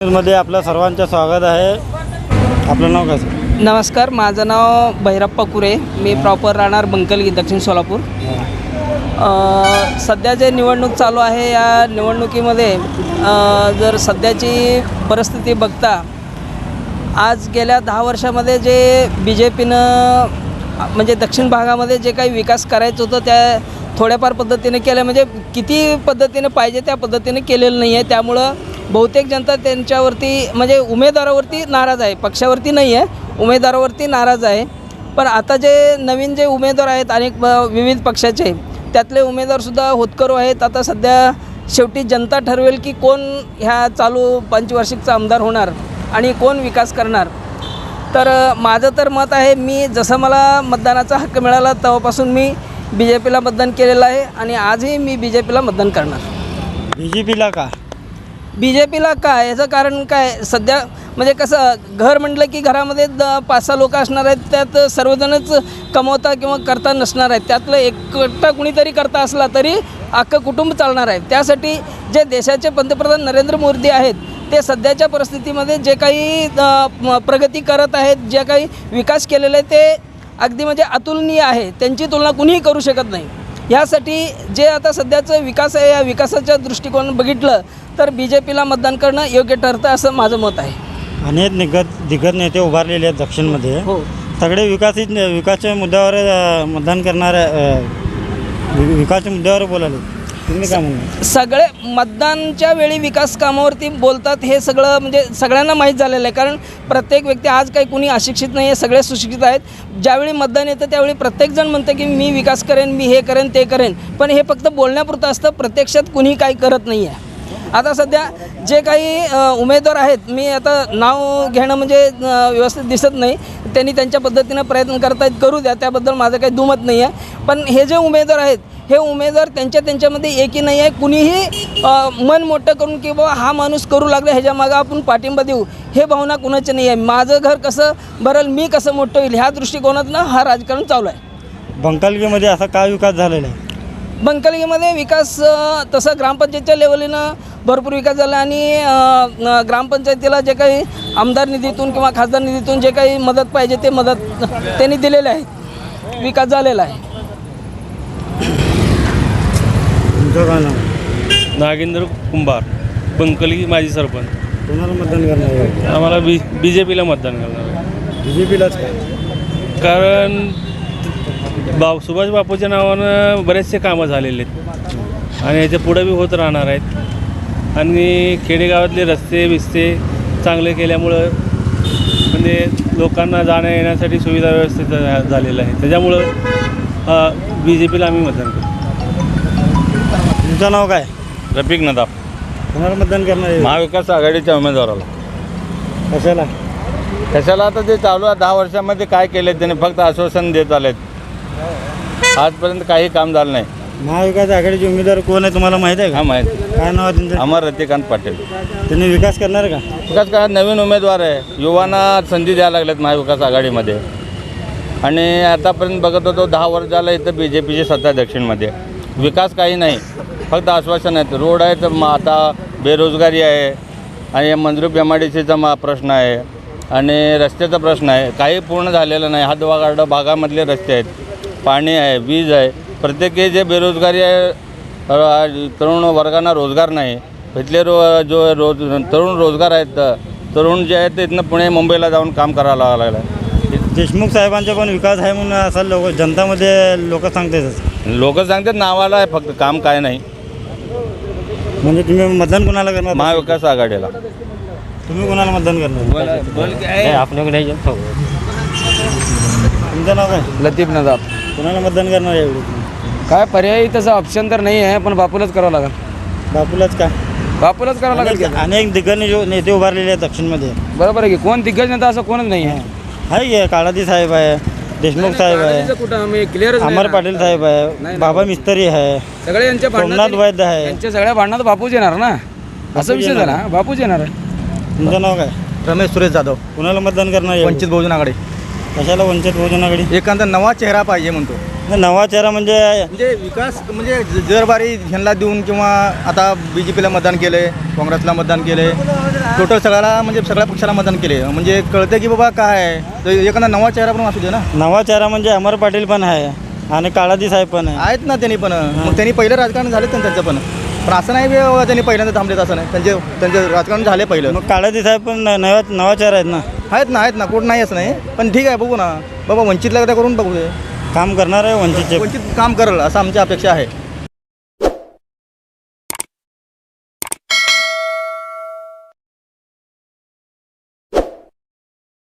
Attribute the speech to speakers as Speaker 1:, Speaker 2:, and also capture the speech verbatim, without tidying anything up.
Speaker 1: मध्ये आपलं सर्वांचं स्वागत आहे. आपलं नाव काय?
Speaker 2: नमस्कार, माझं नाव भैरप्पा कुरे. मी प्रॉपर राहणार बंकलगी, दक्षिण सोलापूर. सध्या जे निवडणूक चालू आहे या निवडणुकीमध्ये जर सध्याची परिस्थिती बघता, आज गेल्या दहा वर्षामध्ये जे बी जे पीनं म्हणजे दक्षिण भागामध्ये जे काही विकास करायचं होतं त्या थोड्याफार पद्धतीने केलं, म्हणजे किती पद्धतीने पाहिजे त्या पद्धतीने केलेलं नाही आहे. त्यामुळं बहुतेक जनता त्यांच्यावरती म्हणजे उमेदवारावरती नाराज आहे, पक्षावरती नाही आहे, उमेदवारावरती नाराज आहे. पण आता जे नवीन जे उमेदवार आहेत अनेक विविध पक्षाचे, त्यातले उमेदवारसुद्धा होतकरू आहेत. आता सध्या शेवटी जनता ठरवेल की कोण ह्या चालू पंचवार्षिकचा आमदार होणार आणि कोण विकास करणार. तर माझं तर मत आहे, मी जसं मला मतदानाचा हक्क मिळाला तेव्हापासून मी बी जे पीला मतदान केलेलं आहे आणि आजही मी बी जे पीला मतदान करणार.
Speaker 1: बी जे पीला का?
Speaker 2: बी जे पीला काय, याचं कारण काय, सध्या म्हणजे कसं घर म्हटलं की घरामध्ये द पाच सहा लोक असणार आहेत, त्यात सर्वजणच कमवता किंवा करता नसणार आहेत. त्यातलं एकटा कुणीतरी करता असला तरी अख्खं कुटुंब चालणार आहे. त्यासाठी जे देशाचे पंतप्रधान नरेंद्र मोदी आहेत ते सध्याच्या परिस्थितीमध्ये जे काही प्रगती करत आहेत, जे काही विकास केलेले आहे ते अगदी म्हणजे अतुलनीय आहे. त्यांची तुलना कुणीही करू शकत नाही. ह्यासाठी जे आता सध्याचं विकास आहे, या विकासाच्या दृष्टिकोन बघितलं तर बी जे पीला मतदान करणं योग्य ठरतं असं माझं मत आहे.
Speaker 1: अनेक निगत दिग्गज नेते उभारलेले आहेत दक्षिणमध्ये.
Speaker 2: हो,
Speaker 1: सगळे विकासित विकासाच्या मुद्द्यावर मतदान करणाऱ्या विकासाच्या मुद्द्यावर बोलाले. तुम्ही काय म्हणणार?
Speaker 2: सगळे मतदानच्या वेळी विकास कामावरती बोलतात, हे सगळं म्हणजे सगळ्यांना माहीत झालेलं आहे. कारण प्रत्येक व्यक्ती, आज काही कुणी अशिक्षित नाही आहे, सगळे सुशिक्षित आहेत. ज्यावेळी मतदान येतं त्यावेळी प्रत्येकजण म्हणतं की मी विकास करेन, मी हे करेन ते करेन, पण हे फक्त बोलण्यापुरतं असतं, प्रत्यक्षात कुणी काही करत नाही आहे. आता सध्या जे काही उमेदवार आहेत, मी आता नाव घेणं म्हणजे व्यवस्थित दिसत नाही, त्यांनी त्यांच्या पद्धतीनं प्रयत्न करतायत, करू द्या, त्याबद्दल माझं काही दुमत नाही आहे. पण हे जे उमेदवार आहेत हे उमेदवार त्यांच्या त्यांच्यामध्ये एकही नाही आहे. कुणीही मन मोठं करून की बाबा हा माणूस करू लागला ह्याच्या मागं आपण पाठिंबा देऊ, हे भावना कुणाची नाही आहे. माझं घर कसं भरल, मी कसं मोठं होईल, ह्या दृष्टिकोनातनं हा राजकारण चालू आहे.
Speaker 1: बंकलगीमध्ये असा काय विकास झालेला आहे?
Speaker 2: बंकलगीमध्ये विकास तसं ग्रामपंचायतच्या लेवलीनं भरपूर विकास झाला आणि ग्रामपंचायतीला जे काही आमदार निधीतून किंवा खासदार निधीतून जे काही मदत पाहिजे ते मदत त्यांनी दिलेले आहे, विकास झालेला आहे.
Speaker 3: नागेंद्र कुंभार, बंकलगी माजी सरपंच.
Speaker 1: कोणाला मतदान करणार आहे?
Speaker 3: आम्हाला बी बी जे पीला मतदान करणार आहे.
Speaker 1: बी जे पीलाच काय?
Speaker 3: कारण बा सुभाष बापूच्या नावानं बरेचसे कामं झालेले आहेत आणि याच्या पुढं बी होत राहणार आहेत. आणि खेडेगावातले रस्ते बिस्ते चांगले केल्यामुळं म्हणजे लोकांना जाण्या येण्यासाठी सुविधा व्यवस्थित झालेलं आहे. त्याच्यामुळं बी जे पीला आम्ही मतदान करतो.
Speaker 1: तुमचं नाव काय?
Speaker 4: रफिक नदाफ.
Speaker 1: कोणाला मतदान करणार आहे?
Speaker 4: महाविकास आघाडीच्या उमेदवाराला.
Speaker 1: कशाला?
Speaker 4: कशाला? आता ते चालू आहे, दहा वर्षामध्ये काय केले त्याने फक्त आश्वासन देत आलेत, आजपर्यंत काही काम झालं नाही.
Speaker 1: महाविकास आघाडीचे उमेदवार कोण आहे तुम्हाला माहीत आहे का?
Speaker 4: हा माहीत.
Speaker 1: काय नाव आहे त्यांचं?
Speaker 4: अमर रतिकांत पाटील.
Speaker 1: त्यांनी विकास करणार का?
Speaker 4: विकास काळात नवीन उमेदवार आहे, युवांना संधी द्यायला लागल्यात महाविकास आघाडीमध्ये. आणि आतापर्यंत बघत होतो दहा वर्ष झालं इथं बी जे पीची सत्ता दक्षिणमध्ये. विकास काही नाही, फक्त आश्वासन आहेत. रोड आहे तर मग आता बेरोजगारी आहे आणि मंजूर एम आय डी सीचा मा प्रश्न आहे आणि रस्त्याचा प्रश्न आहे, काही पूर्ण झालेलं नाही. हातवागाड भागामधले रस्ते आहेत, पाणी आहे, वीज आहे. प्रत्येकी जे बेरोजगारी आहे, तरुण वर्गांना रोजगार नाही. इथले रो जो रोज तरुण रोजगार आहेत, तरुण जे आहेत ते इथनं पुणे मुंबईला जाऊन काम करायला लागलं आहे.
Speaker 1: देशमुख साहेबांचा पण विकास आहे म्हणून असं लोक जनतामध्ये लोक सांगतात.
Speaker 4: लोक सांगतात नावाला आहे, फक्त काम काय नाही.
Speaker 1: म्हणजे तुम्ही मतदान कोणाला करणार?
Speaker 4: महाविकास आघाडीला.
Speaker 1: तुम्ही कोणाला मतदान करणार?
Speaker 2: आपल्याकडे
Speaker 1: तुमचं नाव काय?
Speaker 5: लतीफ नदाफ.
Speaker 1: कोणाला मतदान करणार एवढी?
Speaker 5: काय पर्यायी तसं ऑप्शन तर नाही आहे, पण बापूलाच करावं लागेल.
Speaker 1: बापूलाच का?
Speaker 5: बापूलाच करावं लागेल की.
Speaker 1: अनेक दिग्गज नेते उभारलेले आहेत दक्षिणमध्ये.
Speaker 5: बरोबर आहे की. कोण दिग्गज नेता असं कोणच नाही आहे.
Speaker 1: आहे की काळादी साहेब आहे, देशमुख साहेब आहे,
Speaker 5: कुठं क्लिअर
Speaker 1: अमर पाटील साहेब आहे, बाबा मिस्त्री आहे,
Speaker 5: सगळे यांच्या
Speaker 1: सोमनाथ वैद्य आहे.
Speaker 5: यांच्या सगळ्या भांडणात बापूच येणार ना, असं विषय झाला. बापूच येणार आहे.
Speaker 1: तुमचं नाव काय?
Speaker 6: रमेश सुरेश जाधव.
Speaker 1: कुणाला मतदान करणार?
Speaker 6: वंचित बहुजन आघाडी.
Speaker 1: कशाला वंचित बहुजन आघाडी?
Speaker 6: एखादा नवा चेहरा पाहिजे म्हणतो.
Speaker 1: नवा चेहरा म्हणजे
Speaker 6: म्हणजे विकास म्हणजे ज- जरबारी ह्यांना देऊन किंवा आता बी जे पीला मतदान केलं आहे, काँग्रेसला मतदान केलं आहे, टोटल सगळ्याला म्हणजे सगळ्या पक्षाला मतदान केले म्हणजे कळतं की बाबा काय आहे तर एखादा नवा चेहरा पण असू दे ना.
Speaker 1: नवा चेहरा म्हणजे अमर पाटील पण आहे आणि काळादी साहेब पण आहे.
Speaker 6: आहेत ना त्यांनी पण मग त्यांनी पहिलं राजकारण झालं त्यांचं त्यांचं पण पण असं नाही बे बाबा त्यांनी पहिल्यांदा थांबलेत असं नाही त्यांचे त्यांचे राजकारण झाले पहिलं.
Speaker 1: मग काळादी साहेब पण न- नवा नवा चेहरा आहेत ना,
Speaker 6: आहेत ना आहेत ना कोण नाही असं नाही पण ठीक आहे बघू ना बाबा वंचितला एकदा करून बघू दे
Speaker 1: काम करणार आहे वंचितचे.
Speaker 6: वंचित काम करेल असं आमची अपेक्षा आहे.